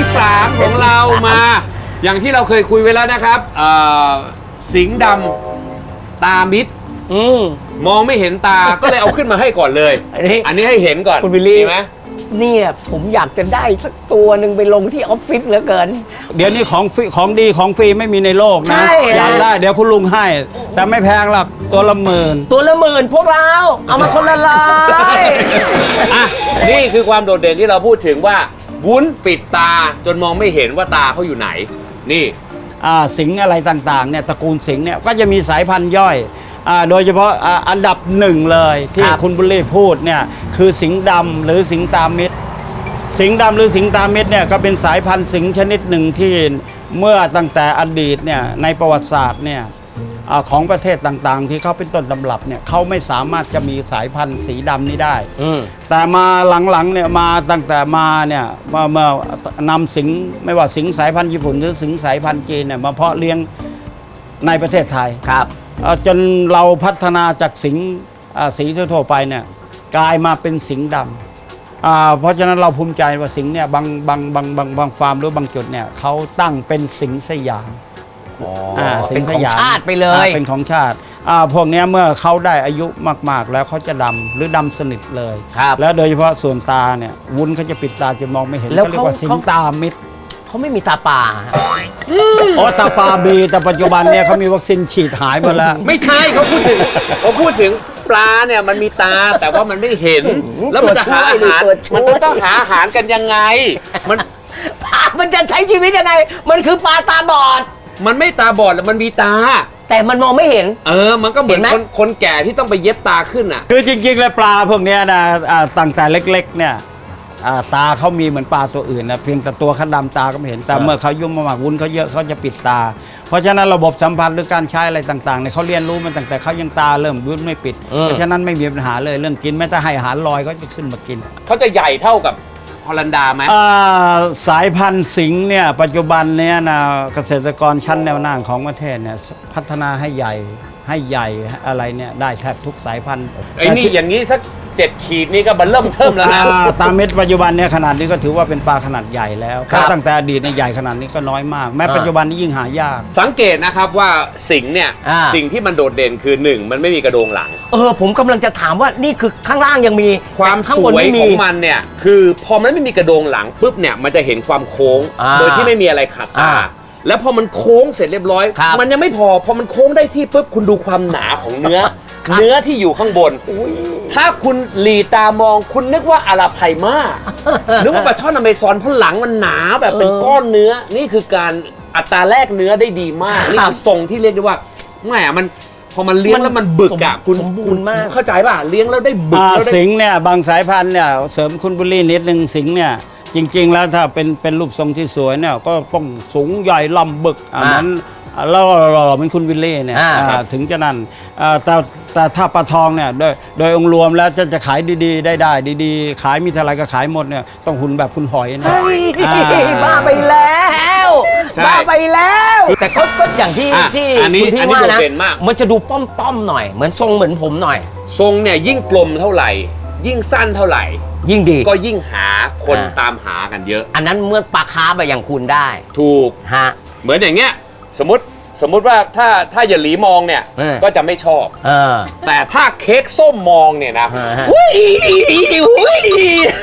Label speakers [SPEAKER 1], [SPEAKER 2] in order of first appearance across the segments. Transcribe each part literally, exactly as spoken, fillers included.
[SPEAKER 1] สามของเรามา อย่างที่เราเคยคุยไว้แล้วนะครับสิงห์ดำตามิดมองไม่เห็นตาก็เลยเอาขึ้นมาให้ก่อนเลย อันนี้ให้เห็นก่อน
[SPEAKER 2] คุณวิลลี่
[SPEAKER 1] ไหม
[SPEAKER 2] เนี่ยผมอยากจะได้สักตัวหนึ่งไปลงที่ออฟฟิศเหลือเกิน
[SPEAKER 3] เดี๋ยวนี้ของฟรีของดีของฟรีไม่มีในโลกนะอยากได้เดี๋ยวคุณลุงให้แต่ไม่แพงหรอกตัวละหมื่น
[SPEAKER 2] ตัวละหมื่นพวกเราเอามาคนละลาย
[SPEAKER 1] อ่ะนี่คือความโดดเด่นที่เราพูดถึงว่าวุ้นปิดตาจนมองไม่เห็นว่าตาเขาอยู่ไหนนี่
[SPEAKER 3] สิงอะไรต่างๆเนี่ยตระกูลสิงเนี่ยก็จะมีสายพันธุ์ย่อยโดยเฉพาะอันดับหนึ่งเลยที่คุณบุลลี่พูดเนี่ยคือสิงห์ดำหรือสิงห์ตามิดสิงห์ดำหรือสิงห์ตามิดเนี่ยก็เป็นสายพันธุ์สิงห์ชนิดหนึ่งที่เมื่อตั้งแต่อดีตเนี่ยในประวัติศาสตร์เนี่ยของประเทศต่างๆที่เขาเป็นต้นตำรับเนี่ยเขาไม่สามารถจะมีสายพันธุ์สีดำนี้ได้แต่มาหลังๆเนี่ยมาตั้งแต่มาเนี่ยมาเมื่อนำสิงห์ไม่ว่าสิงห์สายพันธุ์ญี่ปุ่นหรือสิงห์สายพันธุ์จีนเนี่ยมาเพาะเลี้ยงในประเทศไทย
[SPEAKER 2] ครับ
[SPEAKER 3] จนเราพัฒนาจากสิงห์สีทั่วไปเนี่ยกลายมาเป็นสิงห์ดำเพราะฉะนั้นเราภูมิใจว่าสิงห์เนี่ยบางบางบางบางบางฟาร์มหรือบางจุดเนี่ยเขาตั้งเป็นสิงห์สยาม
[SPEAKER 2] เป็นของชาติไปเลย
[SPEAKER 3] เป็นของชาติพวกนี้เมื่อเขาได้อายุมากๆแล้วเขาจะดำหรือดำสนิทเลยแล้วโดยเฉพาะส่วนตาเนี่ยวุ้นเขาจะปิดตาจะมองไม่เห็นเขาเรียกว่าสิงห์ตามิด
[SPEAKER 2] เขาไม่มีตาป่า
[SPEAKER 3] อ๋อตาปาบีแต่ปัจจุบันเนี่ยเขามีวัคซีนฉีดหายหมดแล้ว
[SPEAKER 1] ไม่ใช่เขาพูดถึงเขาพูดถึงปลาเนี่ยมันมีตาแต่ว่ามันไม่เห็นแล้วมันจะหาอาหารมันต้องหาอาหารกันยังไงมัน
[SPEAKER 2] มันจะใช้ชีวิตยังไงมันคือปลาตาบอด
[SPEAKER 1] มันไม่ตาบอดแล้วมันมีตา
[SPEAKER 2] แต่มันมองไม่เห็น
[SPEAKER 1] เออมันก็เหมือนคนคนแก่ที่ต้องไปเย็บตาขึ้นอ่ะ
[SPEAKER 3] คือจริงๆแล้วปลาพวกนี้นะตั้งแต่เล็กๆเนี่ยตาเขามีเหมือนปลาตัวอื่นนะเพียงแต่ตัวเขาดำตาก็ไม่เห็นแต่เมื่อเขายุ่งมากๆวุ้นเขาเยอะเขาจะปิดตาเพราะฉะนั้นระบบสัมพันธ์หรือการใช้อะไรต่างๆเนี่ยเขาเรียนรู้มันตั้งแต่เขายังตาเริ่มวุ้นไม่ปิดเพราะฉะนั้นไม่มีปัญหาเลยเรื่องกินแม้แต่ให้อาหารลอยเขาจะขึ้นมากิน
[SPEAKER 1] เขาจะใหญ่เท่ากับฮอลันดาไหม
[SPEAKER 3] สายพันธุ์สิงห์เนี่ยปัจจุบันเนี่ยนะเกษตรกรชั้นแนวหน้าของประเทศเนี่ยพัฒนาให้ใหญ่ให้ใหญ่อะไรเนี่ยได้แทบทุกสายพันธุ์
[SPEAKER 1] ไอ้นี่อย่างนี้สักเจ็ดขีดนี่ก็บันเริ่มเทิมแล้วนะ
[SPEAKER 3] ตาเม็ดปัจจุบันเนี่ยขนาดนี้ก็ถือว่าเป็นปลาขนาดใหญ่แล้วตั้งแต่อดีตในใหญ่ขนาดนี้ก็น้อยมากแม้ปัจจุบันนี้ยิ่งหายาก
[SPEAKER 1] สังเกตนะครับว่าสิงห์เนี่ยสิ่งที่มันโดดเด่นคือหนึ่งมันไม่มีกระโดงหลัง
[SPEAKER 2] เออผมกำลังจะถามว่านี่คือข้างล่างยังมี
[SPEAKER 1] ความสวยของมันเนี่ยคือพอมันไม่มีกระโดงหลังปุ๊บเนี่ยมันจะเห็นความโค้งโดยที่ไม่มีอะไรขัดตาแล้วพอมันโค้งเสร็จเรียบร้อยมันยังไม่พอพอมันโค้งได้ที่ปุ๊บคุณดูความหนาของเนื้อเนื้อที่อยู่ข้างบนถ้าคุณหลีตามองคุณนึกว่าอาราไพมานึกว่าปลาช่อนอเมซอนเพราะหลังมันหนาแบบเป็นก้อนเนื้อนี่คือการอัตราแลกเนื้อได้ดีมากนี่คือทรงที่เรียกได้ว่าแหมมันพอมันเลี้ยงแล้วมันบึกอ่ะคุณคุณเข้าใจป่ะเลี้ยงแล้วได้บึกแล้ว
[SPEAKER 3] สิงห์เนี่ยบางสายพันธุ์เนี่ยเสริมคุณบุลลี่นิดนึงสิงห์เนี่ยจริงๆแล้วถ้าเป็นเป็นรูปทรงที่สวยเนี่ยก็ต้องสูงใหญ่ลำบึกอันนั้นแล้วหล่อเป็นคุณวิลเล่เนี่ยถึงจะนั่นแต่แต่ถ้าปลาทองเนี่ยโดยโดยองค์รวมแล้วจะจะขายดีๆได้ได้ดีๆขายมีเท่าไรก็ขายหมดเนี่ยต้องหุ่นแบบคุณหอยนะ
[SPEAKER 2] บ้าไปแล้วบ้าไปแล้วแต่ก็ก็อย่างที่ที่คุณพี่ว่านะมันจะดูป้อมๆหน่อยเหมือนทรงเหมือนผมหน่อย
[SPEAKER 1] ทรงเนี่ยยิ่งกลมเท่าไหร่ยิ่งสั้นเท่าไหร่
[SPEAKER 2] ยิ่งดี
[SPEAKER 1] ก็ยิ่งหาคนตามหากันเยอะ
[SPEAKER 2] อันนั้นเมื่อปลาคาร์ฟอย่างคุณได้
[SPEAKER 1] ถูก
[SPEAKER 2] ฮะ
[SPEAKER 1] เหมือนอย่างเงี้ยสมมติสมมุติว่าถ้าถ้าอย่าหลีมองเนี่ยก็จะไม่ชอบแต่ถ้าเค้กส้มมองเนี่ยนะอุ้ยอุ้ย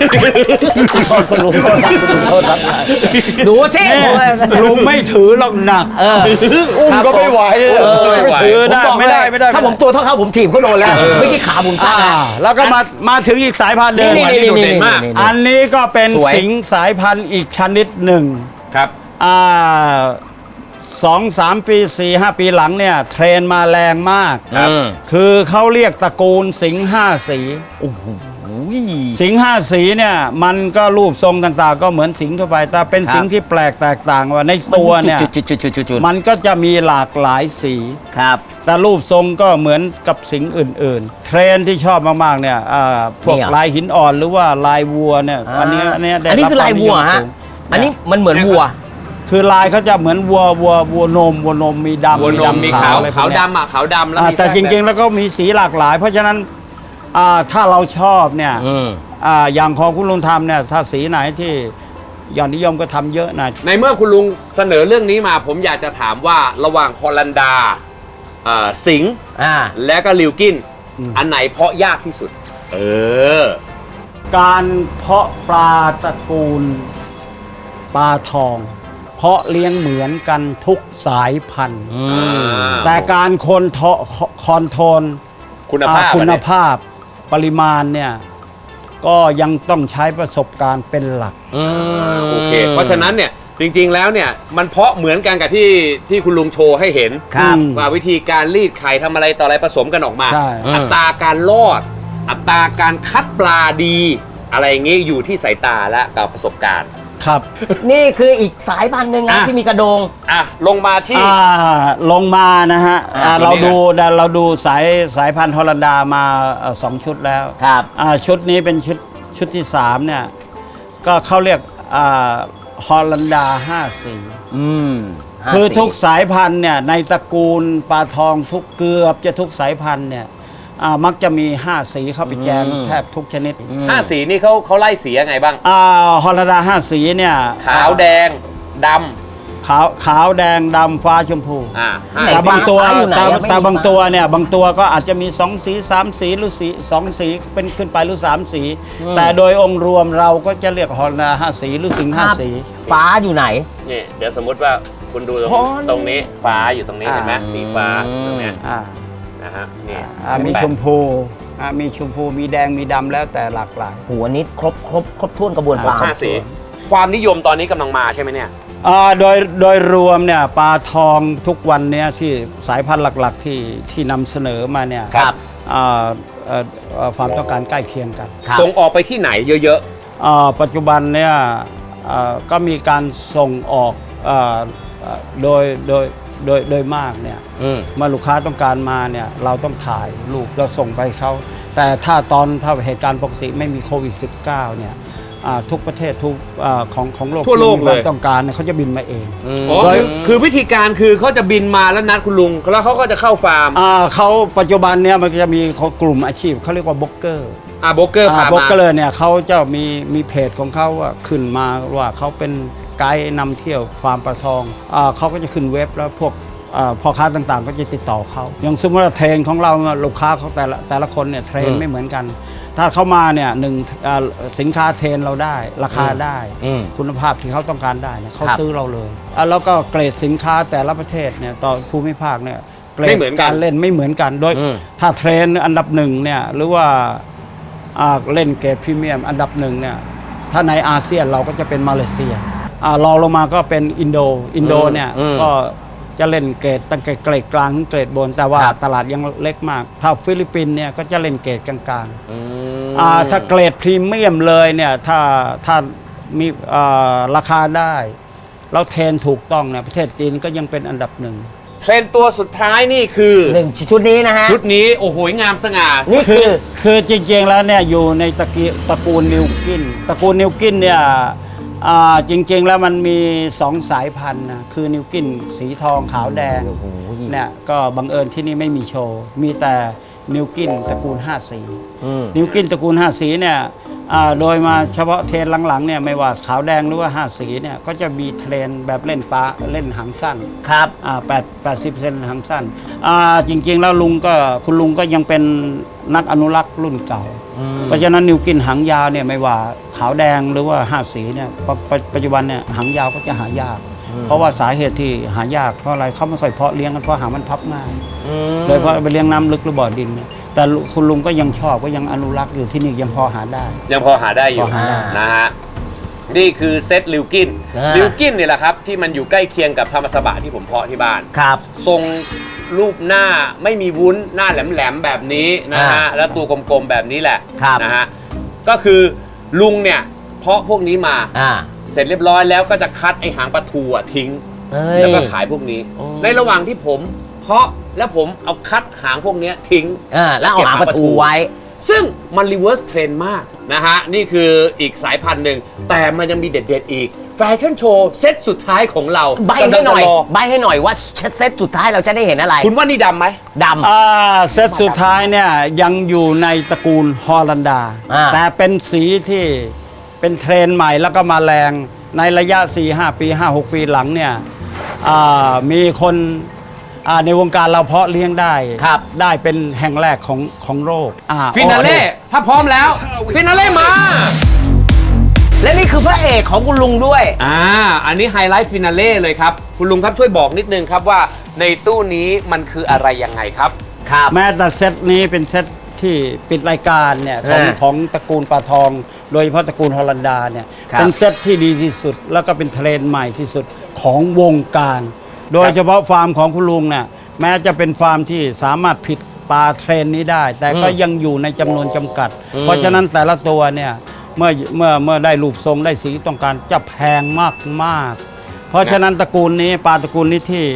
[SPEAKER 2] ดูสิ
[SPEAKER 3] ลุงไม่ถือหรอกหนักอุ้มก็ไม่ไหวไม่ถือได้ไม่ได้ไม่ได้
[SPEAKER 2] ถ้าผมตัวเท่าเขาผมถีบเขาโดนแล้วไม่กี่ขาผมสั้น
[SPEAKER 3] แล้วก็มามาถึงอีกสายพันธุ์เดิมอันนี้ก็เป็นสิงห์สายพันธุ์อีกชนิดหนึ่ง
[SPEAKER 1] ครับ
[SPEAKER 3] อ่าสองสามปีสี่ห้าปีหลังเนี่ยเทรนมาแรงมากคือเขาเรียกตระกูลสิงห์ห้าสีโอ้โหสิงห์ห้าสีเนี่ยมันก็รูปทรงต่างๆก็เหมือนสิงห์ทั่วไปแต่เป็นสิงห์ที่แปลกแตกต่างว่าในตัวเนี่ยมันก็จะมีหลากหลายสี
[SPEAKER 2] ครับ
[SPEAKER 3] แต่รูปทรงก็เหมือนกับสิงห์อื่นๆเทรนที่ชอบมากๆเนี่ยพวกลายหินอ่อนหรือว่าลายวัวเนี่ยอันนี้อันนี้
[SPEAKER 2] อันนี้คือลายวัวฮะอันนี้มันเหมือนวัว
[SPEAKER 3] คือลายเขาจะเหมือนวัววัววัวนมวัวนมมีดำ
[SPEAKER 1] มีดำมีขาวขาวดำอ่ะขาวดำแล้ว
[SPEAKER 3] แต่จริงๆแล้วก็มีสีหลากหลายเพราะฉะนั้นถ้าเราชอบเนี่ยอย่างของคุณลุงทำเนี่ยถ้าสีไหนที่ยอดนิยมก็ทำเยอะนะ
[SPEAKER 1] ในเมื่อคุณลุงเสนอเรื่องนี้มา ผมอยากจะถามว่าระหว่างฮอลันดาเอ่อสิงห์
[SPEAKER 2] อ่า
[SPEAKER 1] และก็ลิวกินอันไหนเพาะยากที่สุด เออ
[SPEAKER 3] การเพาะปลาตระกูลปลาทอง เพาะเลี้ยงเหมือนกันทุกสายพันธุ์
[SPEAKER 2] อืม
[SPEAKER 3] แต่การคอนโทรคอนโทรล
[SPEAKER 1] คุณภาพ
[SPEAKER 3] อ่าคุณ
[SPEAKER 1] อันนี้
[SPEAKER 3] ภาพปริมาณเนี่ยก็ยังต้องใช้ประสบการณ์เป็นหลัก
[SPEAKER 2] อืม
[SPEAKER 1] โอเค เพราะฉะนั้นเนี่ยจริงๆแล้วเนี่ยมันเพาะเหมือนกันกับที่ที่คุณลุงโชว์ให้เห็น
[SPEAKER 2] ครับ
[SPEAKER 1] ว่าวิธีการรีดไข่ทำอะไรต่ออะไรผสมกันออกมา
[SPEAKER 3] ใช่
[SPEAKER 1] อัตราการรอด อัตราการคัดปลาดี อะไรอย่างงี้อยู่ที่สายตาและกับประสบการณ์
[SPEAKER 3] ครับ
[SPEAKER 2] นี่คืออีกสายพันธุ์หนึ่งนะ
[SPEAKER 1] อ่ะ
[SPEAKER 2] ที่มีกระโดง
[SPEAKER 1] อ่ะลงมาที่
[SPEAKER 3] อ่าลงมานะฮะ
[SPEAKER 1] อ่า
[SPEAKER 3] อ่า
[SPEAKER 1] ตัวนี้
[SPEAKER 3] เราดูเราดูสายสายพันธุ์ฮอลันดามาเอ่อสองชุดแล้ว
[SPEAKER 2] ครับ
[SPEAKER 3] อ่าชุดนี้เป็นชุดชุดที่สามเนี่ยก็เขาเรียกอ่าฮอลันดาห้าสี
[SPEAKER 2] อืม
[SPEAKER 3] คือ
[SPEAKER 2] ห้าสี
[SPEAKER 3] ทุกสายพันธุ์เนี่ยในตระกูลปลาทองทุกเกือบจะทุกสายพันธุ์เนี่ยอ่ามักจะมีห้าสีเข้าไปแจมแทบทุกชนิด
[SPEAKER 1] ห้าสีนี่เขาเขาไล่สียังไงบ้าง
[SPEAKER 3] อ่าฮอลันดาห้าสีเนี่ย
[SPEAKER 1] ขาวแดงด
[SPEAKER 3] ขาวขาวแดงดำฟ้าชมพู
[SPEAKER 1] ำอ่าห้า
[SPEAKER 3] แต่
[SPEAKER 1] สี
[SPEAKER 3] บางตัว
[SPEAKER 2] ฟ้าอยู่ไหน
[SPEAKER 3] แต่
[SPEAKER 2] อะไม่
[SPEAKER 3] แต่
[SPEAKER 2] มี
[SPEAKER 3] บาง
[SPEAKER 2] ฟ้า
[SPEAKER 3] ตัวเนี่ยบางตัวก็อาจจะมีสองสีสามสีหรือสีสองสีเป็นขึ้นไปหรือสามสี แต่โดยองค์รวมเราก็จะเรียกฮอลันดาห้าสีหรือสิงห์ห้าสี
[SPEAKER 2] ฟ้าอยู่ไหน
[SPEAKER 1] นี่เดี๋ยวสมมุติว่าคุณดูตรง
[SPEAKER 3] โอ้ย
[SPEAKER 1] ตรงนี้ฟ้าอยู่ตรงนี้
[SPEAKER 3] อ่า
[SPEAKER 1] เห็นไหมสีฟ้า
[SPEAKER 2] อืม
[SPEAKER 1] ตรงเนี้ย
[SPEAKER 3] อ่า
[SPEAKER 1] นะฮะนี่
[SPEAKER 3] อ่ามีชมพูอ่ามีชมพูมีแดงมีดำแล้วแต่หลากหลาย
[SPEAKER 2] หัวนี้ครบครบครบถ้วนกระบวนความ
[SPEAKER 1] ห้าสีความนิยมตอนนี้กำลังมาใช่ไหมเนี่ย
[SPEAKER 3] อ่าโดยโดยรวมเนี่ยปลาทองทุกวันเนี้ยที่สายพันธุ์หลักๆที่ที่นำเสนอมาเนี่ย
[SPEAKER 2] ครับ
[SPEAKER 3] อ่าเอ่อเอ่อความต้องการใกล้เคียงกัน
[SPEAKER 2] ครับ
[SPEAKER 1] ส่งออกไปที่ไหนเยอะ
[SPEAKER 3] อ่าปัจจุบันเนี่ยอ่าก็มีการส่งออกอ่าอ่าโดยโดยโดยโดยมากเนี่ย
[SPEAKER 2] อืม
[SPEAKER 3] เมื่อลูกค้าต้องการมาเนี่ยเราต้องถ่ายรูปแล้วส่งไปเขาแต่ถ้าตอนถ้าเหตุการณ์ปกติไม่มีโควิด สิบเก้า เนี่ยอ่าทุกประเทศทุกอาของของโลก
[SPEAKER 1] ทั่วโลก
[SPEAKER 3] ที่มี
[SPEAKER 1] เล
[SPEAKER 3] ควาย มต้องการเนี่ยเขาจะบินมาเอง
[SPEAKER 1] ๆอ๋อ
[SPEAKER 3] โดย
[SPEAKER 1] คือคือวิธีการคือเขาจะบินมาแล้วนัดคุณลุง แล้วเขาก็จะเข้าฟาร์ม
[SPEAKER 3] อ่าเขาปัจจุบันเนี่ยมันจะมีเขากลุ่มอาชีพเขาเรียกว่าบล็อกเกอร์
[SPEAKER 1] อ่าโบรกเกอร์พา
[SPEAKER 3] บล็อก
[SPEAKER 1] มา
[SPEAKER 3] เกอร์เนี่ยเขาจะมีมีเพจของเขาว่าขึ้นมาว่าเขาเป็นไกด์นำเที่ยวฟาร์มปลาทองอ่าเขาก็จะขึ้นเว็บแล้วพวกอ่าพ่อค้าต่างๆ ก็จะติดต่อเขาอย่างสมมติว่าเทรนของเราลูกค้าเขาแต่ละแต่ละคนเนี่ยเทรน
[SPEAKER 2] อืม
[SPEAKER 3] ไม่เหมือนกัน ถ้าเขามาเนี่ยหนึ่งอ่าสินค้าเทรนเราได้ ราคาได้
[SPEAKER 2] อืม
[SPEAKER 3] คุณภาพที่เขาต้องการได้เนี่ยเขา
[SPEAKER 2] ครับ
[SPEAKER 3] ซื้อเราเลยอ่ะแล้วก็เกรดสินค้าแต่ละประเทศเนี่ยต่อภูมิภาคเนี่ยเกร
[SPEAKER 1] ไม่
[SPEAKER 3] ด
[SPEAKER 1] เหมือนกัน
[SPEAKER 3] การเล่นไม่เหมือนกันโดย
[SPEAKER 2] อืม
[SPEAKER 3] ถ้าเทรนอันดับหนึ่งเนี่ยหรือว่าอ่าเล่นเกรดพรีเมียมอันดับหนึ่งเนี่ยถ้าในอาเซียนเราก็จะเป็นมาเลเซียอ่ารองลงมาก็เป็นอินโดอินโดเนี่ย
[SPEAKER 2] อืม
[SPEAKER 3] ก็จะเล่นเกรดตั้งแต่เกรดกลางถึงเกรดบน แต่ว่า
[SPEAKER 2] ครับ
[SPEAKER 3] ตลาดยังเล็กมาก ถ้าฟิลิปปินส์เนี่ยก็จะเล่นเกรดกลาง
[SPEAKER 2] อืม
[SPEAKER 3] ๆอ่าถ้าเกรดพรีเมียมเลยเนี่ยถ้าถ้ามีอ่าราคาได้แล้วเทรนถูกต้องเนี่ยประเทศจีนก็ยังเป็นอันดับหนึ่ง
[SPEAKER 1] เทรนด์ตัวสุดท้ายนี่คือ
[SPEAKER 2] หนึ่งชุดนี้นะฮะ
[SPEAKER 1] ชุดนี้โอ้โหงามสง่า
[SPEAKER 2] นี่คือ
[SPEAKER 3] คือจริงๆแล้วเนี่ยอยู่ในตระกีตระกูลนิวกินตระกูลนิวกินเนี่ยอ่าจริงๆแล้วมันมีสองสายพันธุ์นะคือนิวกินสีทองขาวแดง
[SPEAKER 2] โอ้โห
[SPEAKER 3] เนี่ยก็บังเอิญที่นี่ไม่มีโชว์ มีแต่นิวกินตระกูลห้าสี
[SPEAKER 2] อืม
[SPEAKER 3] นิวกินตระกูลห้าสีเนี่ยอ่าโดยมาเฉพาะเทรนหลังๆเนี่ยไม่ว่าขาวแดงหรือว่าห้าสีเนี่ยก็จะมีเทรนแบบเล่นปลาเล่นหางสั้น
[SPEAKER 2] ครับ
[SPEAKER 3] อ่าแปดแปดสิบเปอร์เซ็นต์หางสั้นอ่าจริงๆแล้วลุงก็คุณลุงก็ยังเป็นนักอนุรักษ์รุ่นเก่า เพราะฉะนั้นนิวกินหางยาวเนี่ยไม่ว่าขาวแดงหรือว่าห้าสีเนี่ยปปปัจจุบันเนี่ยหางยาวก็จะหายาก เพราะว่าสาเหตุที่หายากเพราะอะไรเขาไม่ค่อยเพาะเลี้ยงกันเพราะหางมันพับง่าย
[SPEAKER 2] อืม
[SPEAKER 3] โดยเฉพาะไปเลี้ยงน้ำลึกหรือบ่อดินเนี่ยแต่คุณลุงก็ยังชอบก็ยังอนุรักษ์อยู่ที่นี่ยังพอหาได้
[SPEAKER 1] ยังพอหาได้อยู่
[SPEAKER 3] พอหาได้
[SPEAKER 1] นะฮะนี่คือเซตลิวกิน
[SPEAKER 2] อ่า
[SPEAKER 1] ลิวกินเนี่ยแหละครับที่มันอยู่ใกล้เคียงกับธรรมสบะที่ผมเพาะที่บ้าน
[SPEAKER 2] ครับ
[SPEAKER 1] ทรงรูปหน้าไม่มีวุ้นหน้าแหลมๆแบบนี้นะฮะ
[SPEAKER 2] อ่า
[SPEAKER 1] แล้วตัวกลมๆแบบนี้แหละ
[SPEAKER 2] ครับ
[SPEAKER 1] นะฮะก็คือลุงเนี่ยเพาะพวกนี้มา
[SPEAKER 2] อ่า
[SPEAKER 1] เสร็จเรียบร้อยแล้วก็จะคัดไอหางปลาทูอะทิ้ง
[SPEAKER 2] เอ้ย
[SPEAKER 1] แล้วก็ขายพวกนี้
[SPEAKER 2] โอ้
[SPEAKER 1] ในระหว่างที่ผมเพาะแล้วผมเอาคัดหางพวกเนี้ยทิ้ง
[SPEAKER 2] อ่าแล้วเอาหางประตูไว้
[SPEAKER 1] ซึ่งมันรีเวิร์สเทรนมากนะฮะ นี่คืออีกสายพันธุ์หนึ่ง แต่มันยังมีเด็ดๆอีก แฟชั่นโชว์เซตสุดท้ายของเรา
[SPEAKER 2] ใบให้หน่อย
[SPEAKER 1] กำลังจะร
[SPEAKER 2] ใบให้หน่อยว่าเซตสุดท้ายเราจะได้เห็นอะไร
[SPEAKER 1] คุณว่านี่ดำไหม
[SPEAKER 2] ดำ
[SPEAKER 3] อ่าเซตสุดท้ายเนี่ยยังอยู่ในตระกูลฮอลันดา
[SPEAKER 2] อ่า
[SPEAKER 3] แต่เป็นสีที่เป็นเทรนด์ใหม่แล้วก็มาแรงในระยะ สี่ห้า ปี ห้าหก ปีหลังเนี่ยมีคนในวงการเราเพาะเลี้ยงได้ได้เป็นแห่งแรกของของโลก
[SPEAKER 1] ฟินาเล่ถ้าพร้อมแล้วฟินาเล่มา
[SPEAKER 2] และนี่คือพระเอกของคุณลุงด้วย
[SPEAKER 1] อ่าอันนี้ไฮไลท์ฟินาเล่เลยครับคุณลุงครับช่วยบอกนิดนึงครับว่าในตู้นี้มันคืออะไรยังไงครับ
[SPEAKER 3] ครับแม้แต่เซตนี้เป็นเซตที่ปิดรายการเนี่ยของของตระกูลปลาทองโดยเฉพาะตระกูลฮอลันดาเนี่ยเป็นเซตที่ดีที่สุดแล้วก็เป็นเทรนด์ใหม่ที่สุดของวงการโดยเฉพาะฟาร์มของคุณลุงเนี่ยแม้จะเป็นฟาร์มที่สามารถผิดปลาเทรนนี้ได้แต่ก็ยังอยู่ในจำนวนจำกัดเพราะฉะนั้นแต่ละตัวเนี่ยเมื่อเมื่อเมื่อได้รูปทรงได้สีต้องการจะแพงมากมากเพราะฉะนั้นตระกูลนี้ปลาตระกูลนี้ที่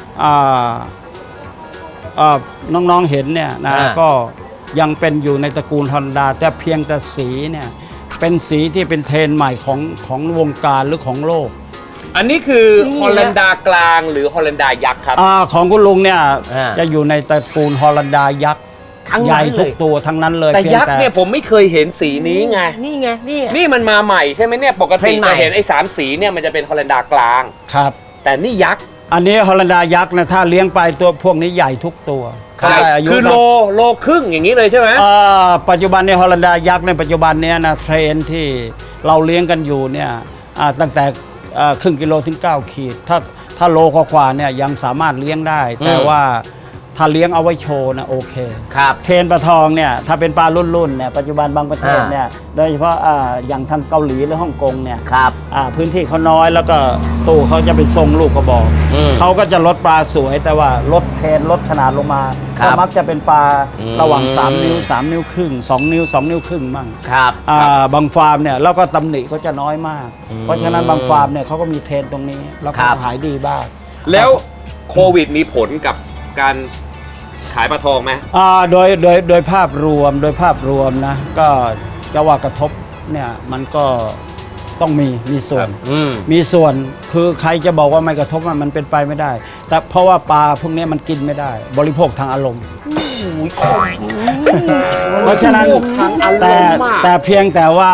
[SPEAKER 3] น้องๆเห็นเนี่ยนะก็ยังเป็นอยู่ในตระกูลฮอลันดาแต่เพียงแต่สีเนี่ยเป็นสีที่เป็นเทรนด์ใหม่ของของวงการหรือของโลก
[SPEAKER 1] อันนี้คือฮอลันดากลางหรือฮอลันดายักษ์ครับ
[SPEAKER 3] อของคุณลุงเนี่ยจะอยู่ในตระกูลฮอลันดายักษ์ใหญ่ทุกตัวทั้งนั้นเลย
[SPEAKER 1] แต่ยักษ์เนี่ยผมไม่เคยเห็นสีนี้ไง
[SPEAKER 2] นี่ไงนี่
[SPEAKER 1] นี่มันมาใหม่ใช่ไหมเนี่ยปกติจะเห็นไอ้สามสีเนี่ยมันจะเป็นฮอลันดากลาง
[SPEAKER 3] ครับ
[SPEAKER 1] แต่นี่ยักษ์
[SPEAKER 3] อันนี้ฮอลันดายักษ์นะถ้าเลี้ยงไปตัวพวกนี้ใหญ่ทุกตัว
[SPEAKER 1] คือโลโลครึ่งอย่างนี้เลยใช่ไหม
[SPEAKER 3] ปัจจุบันในฮอลันดายักษ์ในปัจจุบันนี้นะเทรนที่เราเลี้ยงกันอยู่เนี่ยตั้งแต่ครึ่งกิโลถึงเก้าขีดถ้าถ้าโลกว่าเนี่ยยังสามารถเลี้ยงได้แต่ว่าถ้าเลี้ยงเอาไว้โชว์นะโอเค
[SPEAKER 2] ครับ
[SPEAKER 3] เทรนปลาทองเนี่ยถ้าเป็นปลารุ่นๆเนี่ยปัจจุบันบางประเทศเนี่ยโดยเฉพาะอย่างทางเกาหลีหรือฮ่องกงเนี่ย
[SPEAKER 2] ครับ
[SPEAKER 3] พื้นที่เขาน้อยแล้วก็ตู้เขาจะไปทรงลูกกระบอกเขาก็จะลดปลาสวยแต่ว่าลดเทรนลดขนาดลงมาก็มักจะเป็นปลาระหว่างสามนิ้วสามนิ้วครึ่งสองนิ้วสองนิ้วครึ่งมั่ง
[SPEAKER 2] ครับ
[SPEAKER 3] บางฟาร์มเนี่ยแล้วก็ตำหนิเขาจะน้อยมากเพราะฉะนั้นบางฟาร์มเนี่ยเขาก็มีเทรนตรงนี้แล้วก็ขายดีบ้าง
[SPEAKER 1] แล้วโควิดมีผลกับการขายปลาทองไหม
[SPEAKER 3] อ่าโดยโดยโดยภาพรวมโดยภาพรวมนะก็จะว่ากระทบเนี่ยมันก็ต้องมีมีส่วนมีส่วนคือใครจะบอกว่าไม่กระทบมันเป็นไปไม่ได้แต่เพราะว่าปลาพวกนี้มันกินไม่ได้บริโภคทางอารมณ์เพราะฉะนั้นแต่แต่เพียงแต่ว่า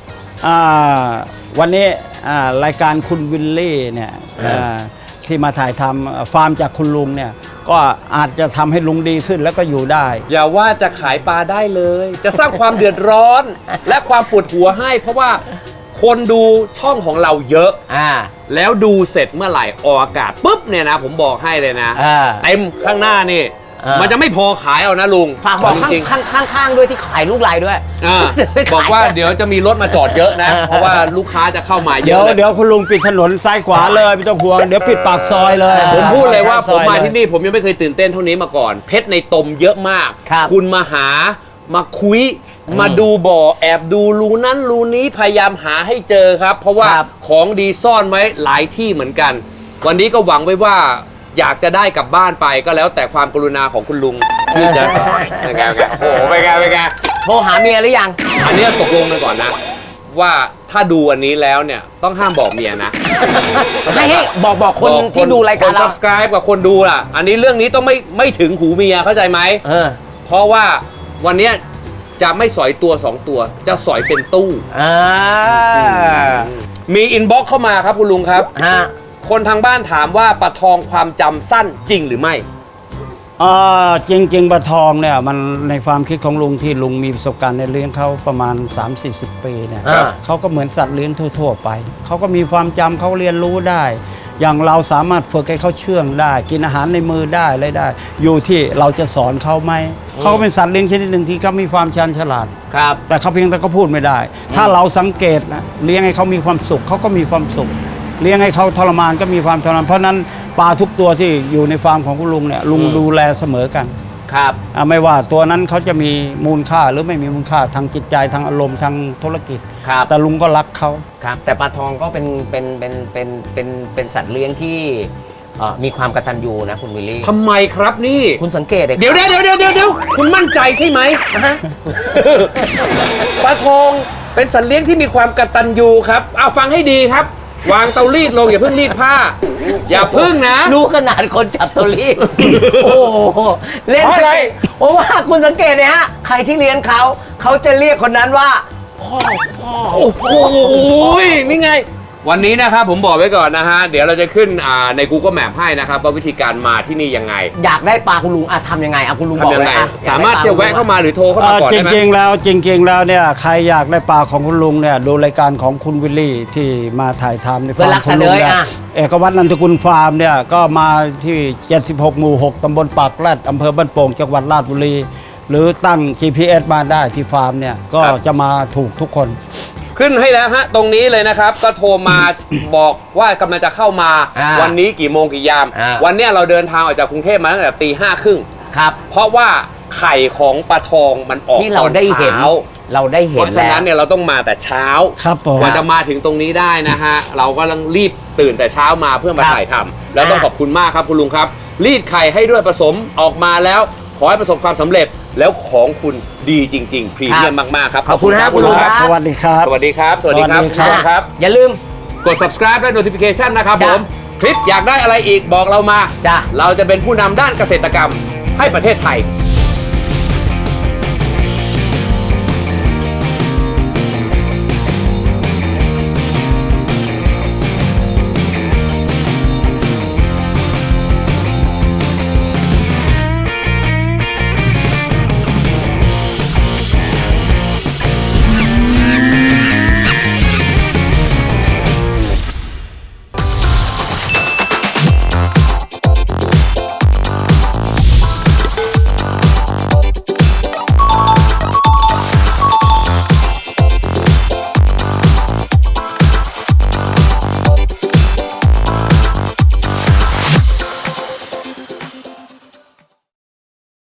[SPEAKER 3] วันนี้รายการคุณวิลลี่เนี่ยที่มาถ่ายทำฟาร์มจากคุณลุงเนี่ยก็อาจจะทำให้ลุงดีขึ้นแล้วก็อยู่ได้
[SPEAKER 1] อย่าว่าจะขายปลาได้เลยจะสร้างความเดือดร้อนและความปวดหัวให้เพราะว่าคนดูช่องของเราเยอะอ่าแล้วดูเสร็จเมื่อไหร่ออกอากาศปุ๊บเนี่ยนะผมบอกให้เลยนะเต็มข้างหน้านี่มันจะไม่พอขายเอานะลุง
[SPEAKER 2] ฝากบอกข้างข้างข้างด้วยที่ขายลูกลายด้วย
[SPEAKER 1] บอกว่าเดี๋ยวจะมีรถมาจอดเยอะนะเพราะว่าลูกค้าจะเข้ามาเยอะ
[SPEAKER 3] เดี๋ยวเดี๋ยวคุณลุงปิดถนนซ้ายขวาเลยไม่ต้องห่วงเดี๋ยวปิดปากซอยเลย
[SPEAKER 1] ผมพูดเลยว่าผมมาที่นี่ผมยังไม่เคยตื่นเต้นเท่านี้มาก่อนเพชรในตมเยอะมากคุณมาหามาคุยมาดูบ่อแอบดูรูนั้นรูนี้พยายามหาให้เจอครับเพราะว่าของดีซ่อนไว้หลายที่เหมือนกันวันนี้ก็หวังไว้ว่าอยากจะได้กลับบ้านไปก็แล้วแต่ความกรุณาของคุณลุงที่จะเป็นไงเป็นไงโอ้โหเป็นไงเป็นไง
[SPEAKER 2] โทรหาเมียหรือยัง
[SPEAKER 1] อันนี้ตกลงกันก่อนนะว่าถ้าดูอันนี้แล้วเนี่ยต้องห้ามบอกเมียนะ
[SPEAKER 2] ให้ให้บอกบอกคนที่ดูรายการเรา
[SPEAKER 1] subscribe กับคนดูล่ะอันนี้เรื่องนี้ต้องไม่ไม่ถึงหูเมียเข้าใจไหมเออเพราะว่าวันนี้จะไม่สอยตัวสองตัวจะสอยเป็นตู้มีอินบ็อกซ์เข้ามาครับคุณลุงครับคนทางบ้านถามว่าปลาทองความจำสั้นจริงหรือไม่
[SPEAKER 3] อ่าจริงๆปลาทองเนี่ยมันในความคิดของลุงที่ลุงมีประสบการณ์ในเลี้ยงเขาประมาณ สามสี่สิบ ปีเนี่ยเขาก็เหมือนสัตว์เลี้ยงทั่วๆไปเขาก็มีความจำเขาเรียนรู้ได้อย่างเราสามารถฝึกให้เขาเชื่องได้กินอาหารในมือได้อะไรได้อยู่ที่เราจะสอนเขาไหมเขาเป็นสัตว์เลี้ยงชนิดหนึ่งที่เขามีความชันฉลาด
[SPEAKER 2] ครับ
[SPEAKER 3] แต่เขาเพียงแต่ก็พูดไม่ได้ถ้าเราสังเกตนะเลี้ยงให้เขามีความสุขเขาก็มีความสุขเลี้ยงให้เขาทรมานก็มีความทรมานเพราะนั้นปลาทุกตัวที่อยู่ในฟาร์มของคุณลุงเนี่ยลุงดูแลเสมอกัน
[SPEAKER 2] ครับ
[SPEAKER 3] ไม่ว่าตัวนั้นเขาจะมีมูลค่าหรือไม่มีมูลค่าทางจิตใจทางอารมณ์ทางธุรกิจ
[SPEAKER 2] ครับ
[SPEAKER 3] แต่ลุงก็รักเขา
[SPEAKER 2] ครับแต่ปลาทองก็เป็นเป็นเป็นเป็นเป็นเป็นสัตว์เลี้ยงที่มีความกตัญญูนะคุณวิลลี่
[SPEAKER 1] ทำไมครับนี่
[SPEAKER 2] คุณสังเกต
[SPEAKER 1] เดี๋ยวเดี๋ยวเดี๋ยวเดี๋ยวเดี๋ยวคุณมั่นใจใช่ไหมปลาทองเป็นสัตว์เลี้ยงที่มีความกตัญญูครับเอาฟังให้ดีครับวางเตารีดลงอย่าเพิ่งรีดผ้าอย่าเพิ่งนะ
[SPEAKER 2] รู้ขนาดคนจับเตารีดโอ้เล่นอะไรเพราะว่าคุณสังเกตเนี่ยฮะใครที่เลี้ยงเขาเขาจะเรียกคนนั้นว่าพ่อพ่อ
[SPEAKER 1] โอ้โหนี่ไงวันนี้นะครับผมบอกไว้ก่อนนะฮะเดี๋ยวเราจะขึ้นอ่าใน Google Map ให้นะครับว่าวิธีการมาที่นี่ยังไง
[SPEAKER 2] อยากได้ปลาคุณลุงอะทำยังไงอะคุณลุงบอกเลยอะ
[SPEAKER 1] สามารถจะแวะเข้ามาหรือโทรเข้ามาก่อน
[SPEAKER 3] จ
[SPEAKER 1] ได้ไหม
[SPEAKER 3] ริงๆแล้วจริงๆแล้วเนี่ยใครอยากได้ปลาของคุณลุงเนี่ยดูรายการของคุณวิลลี่ที่มาถ่ายทำในฟาร์มคุณลุงเนี่ยเอกวัฒน์นันทกุลฟาร์มเนี่ยก็มาที่เจ็ดสิบหกหมู่หกตำบลปากแรดอำเภอบ้านโป่งจังหวัดราชบุรีหรือตั้ง จี พี เอส มาได้ที่ฟาร์มเนี่ยก็จะมาถูกทุกคน
[SPEAKER 1] ขึ้นให้แล้วฮะตรงนี้เลยนะครับก็โทรมา บอกว่ากำลังจะเข้ามาวันนี้กี่โมงกี่ยามวันนี้เราเดินทางออกจากกรุงเทพมาตั้งแต่ตีห้าครึ่ง
[SPEAKER 2] ครับ
[SPEAKER 1] เพราะว่าไข่ของปลาทองมันออก
[SPEAKER 2] ที่เราได้เห็นเราได้เห็น
[SPEAKER 1] เพราะฉะนั้นเนี่ยเราต้องมาแต่เช้า
[SPEAKER 3] ครับผม
[SPEAKER 1] กว่าจะมาถึงตรงนี้ได้นะฮะเราก็ต้องรีบตื่นแต่เช้ามาเพื่อมาถ่ายทำแล้วต้องขอบคุณมากครับคุณลุงครับรีดไข่ให้ด้วยผสมออกมาแล้วขอให้ประสบความสำเร็จแล้วของคุณดีจริงๆพรีเมียมมากๆครับ
[SPEAKER 2] ขอบคุณครับคุณลุงครับ
[SPEAKER 3] สวัสดีครับ
[SPEAKER 1] สวัสดีครับสวัสดีครับทุกคนครับ
[SPEAKER 2] อย่าลืม
[SPEAKER 1] กด subscribe และ notification นะครับผมคลิปอยากได้อะไรอีกบอกเรามาเราจะเป็นผู้นำด้านเกษตรกรรมให้ประเทศไทย